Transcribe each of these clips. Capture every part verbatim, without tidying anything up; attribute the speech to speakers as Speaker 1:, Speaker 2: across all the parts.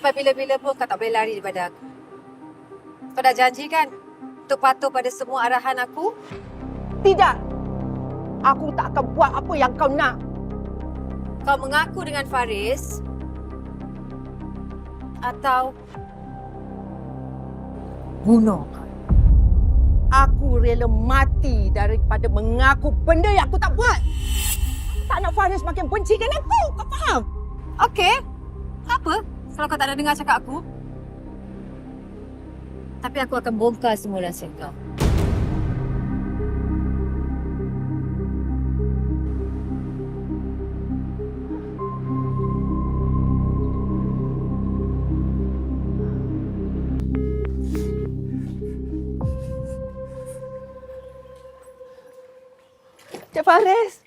Speaker 1: Sampai bila-bila pun kau tak boleh lari daripada aku. Kau dah janji kan untuk patuh pada semua arahan aku?
Speaker 2: Tidak. Aku tak akan buat apa yang kau nak.
Speaker 1: Kau mengaku dengan Faris atau bunuh?
Speaker 2: Aku rela mati daripada mengaku benda yang aku tak buat. Aku tak nak Faris makin benci dengan aku. Kau faham?
Speaker 1: Okey. Apa kalau kau tak nak dengar cakap aku? Tapi aku akan bongkar semua rahsia kau.
Speaker 2: Cik Faris.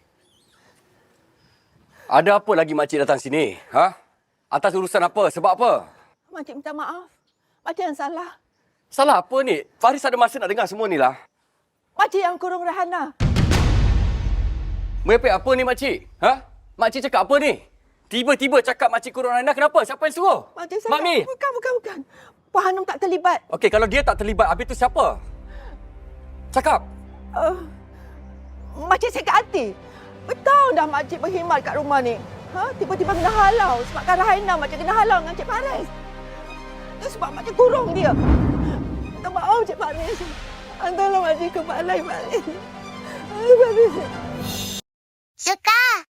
Speaker 3: Ada apa lagi makcik datang sini? Ha? Atas urusan apa? Sebab apa?
Speaker 2: Makcik minta maaf. Makcik yang salah.
Speaker 3: Salah apa ni? Faris ada masa nak dengar semua ni lah.
Speaker 2: Makcik yang kurung Rahana.
Speaker 3: Merepek apa ni makcik? Ha? Makcik cakap apa ni? Tiba-tiba cakap makcik kurang rendah. Kenapa? Siapa yang suruh?
Speaker 2: Makcik salah.
Speaker 3: Mak Mi.
Speaker 2: Bukan, bukan, bukan. Puan Hanum tak terlibat.
Speaker 3: Okey, kalau dia tak terlibat, habis tu siapa? Cakap.
Speaker 2: Uh, makcik sakit hati. Betul dah makcik berkhidmat kat rumah ni. Ha? Tiba-tiba kena halau. Sebabkan Rahana makcik kena halau dengan Cik Faris. Itu sebab makcik kurung dia. Minta maaf Cik Faris. Hantarlah makcik ke balai Faris. Ay, Faris.
Speaker 4: Suka.